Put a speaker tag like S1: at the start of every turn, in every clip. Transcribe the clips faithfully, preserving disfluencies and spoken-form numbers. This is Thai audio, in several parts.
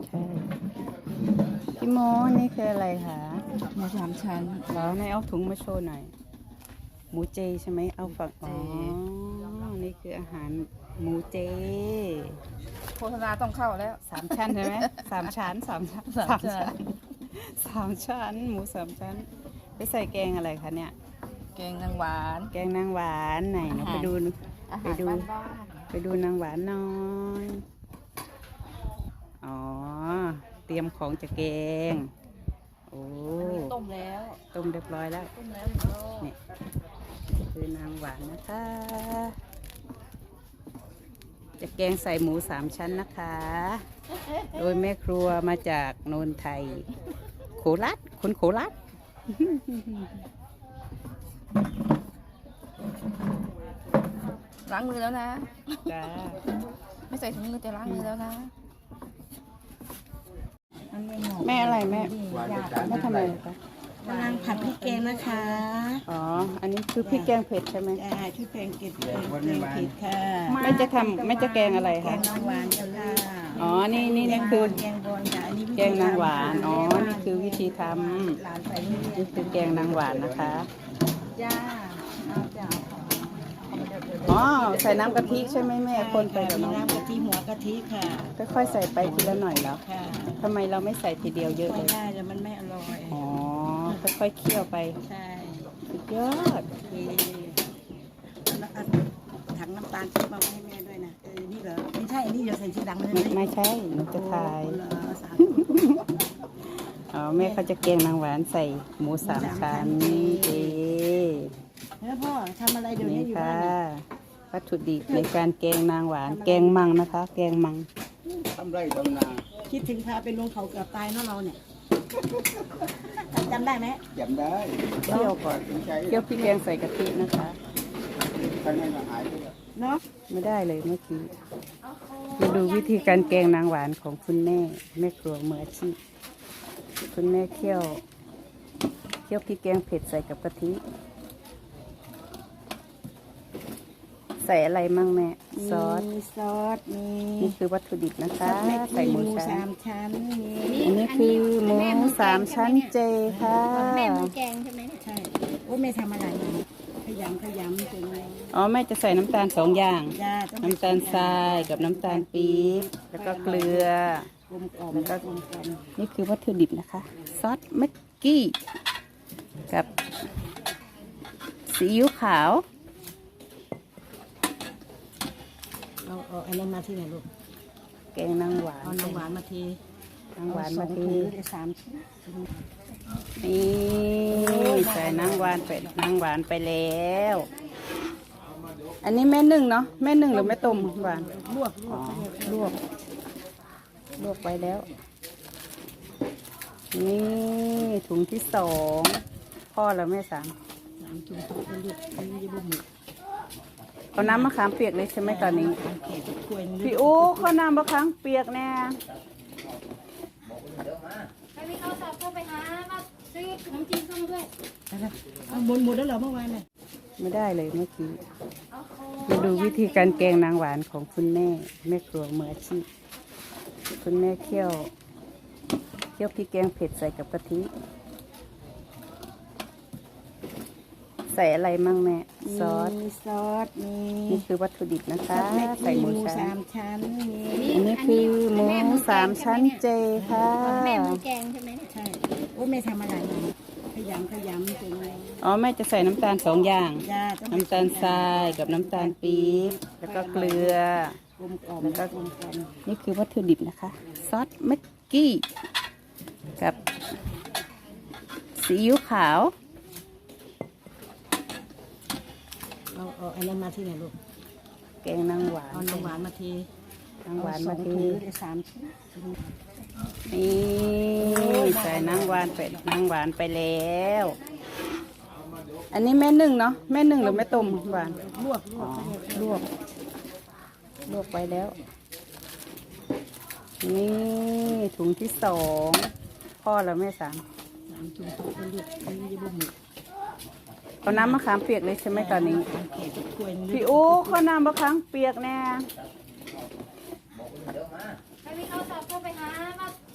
S1: ใช่พี่โมนี่คืออะไรคะ
S2: หมูสามชั้น
S1: แล้วในเอาถุงมาโชว์หน่อยหมูเจใช่ไหมเอาฝักอ๋อนี่คืออาหารหมูเจ
S2: โฆษณาต้องเข้าแล้ว
S1: สามชั้นใช่ไหมสามชั้นสามชั้นสามชั้นสามชั้นหมูสามชั้นไปใส่แกงอะไรคะเนี่ย
S2: แกงนางหวาน
S1: แกงนางหวานไหนเราไปดูไปดูไปดูนางหวานน้อยอ๋อเตรียมของจะแกงโอ้
S2: ต้มแล้ว
S1: ต้มเรียบร้อยแล้ว
S2: ต้มแล้ว
S1: นี่คือนางหวานนะคะจะแกงใส่หมูสามชั้นนะคะโดยแม่ครัวมาจากโนนไทยโคราชคนโคราช
S2: ล้างมือแล้วนะ
S1: จ้า
S2: ไม่ใส่ถุงมือแต่ล้างมือแล้วนะ
S1: แม่อะไรแม่แม่ทำอะไรคะ
S3: กำลังผัดพริกแกงนะคะ
S1: อ๋ออันนี้คือพริกแกงเผ็ดใช่ไหม
S3: ใช่พริกแกงเผ็ดแกงเผ็ดค่ะ
S1: แม่จะทำแม่จะแกงอะไรคะ
S3: แกงนางหวานค่ะ
S1: อ๋อนี่นี่นี่คือ
S3: แกงบอลค่ะอันนี้
S1: แกงนางหวานอ๋อนี่คือวิธีทำนี่คือแกงนางหวานนะคะ
S3: จ้าเอาจ้า
S1: อ๋อใส่น้ำกะทิใช่ไหมแม่คนไปกับน้อง
S3: น้ำกะทิหัวกะทิค่ะ
S1: ค่อยๆใส่ไปทีละหน่อยแล้ว
S3: ค่ะ
S1: ทำไมเราไม่ใส่ทีเดียวเยอะเล
S3: ไม่
S1: ย
S3: ได้แล้วมันไม่อร่อย
S1: อ๋อค่อยๆเคี่ยวไป
S3: ใช่
S1: สุดยอด
S3: แล้วถังน้ำตาลที่มาให้แม่ด้วยนะเออนี่เหรอไม่ใช่อันนี้เดี๋ยวใส่ชื่อดังเลย
S1: ไม่ใช่หนูจะทายอ๋อแม่เขาจะแกงนางหวานใส่หมูสามชั้นเจ
S3: แล้วพ่อทำอะไรเดี๋ยวนี้อยู่บ้าน
S1: วัตถุดิบในการแกงนางหวานแกงมังนะคะ แกงมัง
S4: ทำไรทำนา
S3: คิดถึงพาไปลงเขาเกือบตายเนาะเราเนี่ยจำได้ไหม
S4: จำได้
S1: เคี่ยวก่อนเคี่ยวพริกแกงใส่กะทินะคะ
S4: ท่านให้มาหายไป
S3: เนาะ
S1: ไม่ได้เลยเมื่อกี้มาดูวิธีการแกงนางหวานของคุณแม่แม่ครัวมืออาชีพคุณแม่เคี่ยวเคี่ยวพริกแกงเผ็ดใส่กับกะทิใส่อะไรมั่งแม่ซอส
S3: มีซอสมี
S1: นี่คือวัตถุดิบนะคะใส่หมู
S3: สามชั้น
S1: มีอันนี้คือหมูสามชั้นเจค่ะ
S3: แม่มือแกงใช่ไหมใช่โอ้แม่ทำอะไรขยำขยำจน
S1: อ๋อแม่จะใส่น้ำตาลสองอย่างน้ำตาลทรายกับน้ำตาลปี๊บแล้วก็เกลือกลมกล่อมแล้วก็นี่คือวัตถุดิบนะคะซอสแม็กกี้กับซีอิ๊วขาว
S3: เอาเอาอันนั้นมาที่ไหนลูก
S1: แกงนางหวาน
S3: เอานางหวานมาที
S1: นางหวานมาที
S3: สามชิ้น
S1: นี่ใส่นางหวานไปนางหวานไปแล้วอันนี้แม่นึ่งเนาะแม่นึ่งหรือแม่ต้มหวาน
S3: ลวกลวก
S1: ลวกลวกไปแล้วนี่ถุงที่สองพ่อแล้วแม่สาม
S3: ถุงถุงเลือกอันนี้บุ้ม
S1: เอาน้ำมะขามเปียกเลยใช่ไหมตอนนี้พี่อู้ข้าวน้ำมะขามเปียกแน่
S5: ใครมีโทรศัพท์เข้าไปหามาซื้อขนมจีนเข้ามาด้วย
S3: เอาหมดหมดแล้วเหรอเมื่อวานเนี่ย
S1: ไม่ได้เลยเมื่อกี้มาดูวิธีการแกงนางหวานของคุณแม่แม่ครัวมืออาชีพคุณแม่เคี่ยวเคี่ยวพริกแกงเผ็ดใส่กับกะทิใส่อะไรมั่งแม่ซอส
S3: มีซอสมี
S1: นี่คือวัตถุดิบนะคะใส่หมู
S3: สามชั้น
S1: อันนี้คือหมูสามชั้นเจค่ะ
S5: แม่มือแกงใช่ไหม
S3: ใช่โอ้แม่ทำอะไรขยำขยำจน
S1: อ๋อแม่จะใส่น้ำตาลสองอย่างน้ำตาลทรายกับน้ำตาลปี๊บแล้วก็เกลือกลมกล่อมแล้วก็นี่คือวัตถุดิบนะคะซอสแม็กกี้กับซีอิ๊วขาว
S3: เอาเอาอันนั้นมาที่ไหนลูก
S1: แกงนางหวาน
S3: เอานางหวานมาที
S1: นางหวานมาที
S3: สามชิ้น
S1: นี่ใส่นางหวานไปนางหวานไปแล้วอันนี้แม่นึ่งเนาะแม่นึ่งหรือแม่ต้มหวาน
S3: ลวกลวก
S1: ลวกลวกไปแล้วนี่ถุงที่สองพ่อแล้วแม่สาม
S3: ถุงถุงเลือกอันนี้บุ้ม
S1: เอาน้ำมะขามเปียกเลยใช่ไหมตอนนี้พี่อู้ข้าวน้ำมะขามเปียกแน่
S5: ใครมีโทรศัพท์เข้าไปหามา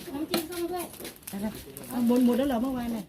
S5: ขนมจีนเข้ามาด้วย
S3: เอาบนหมดแล้วเหรอเมื่อวานเนี่ย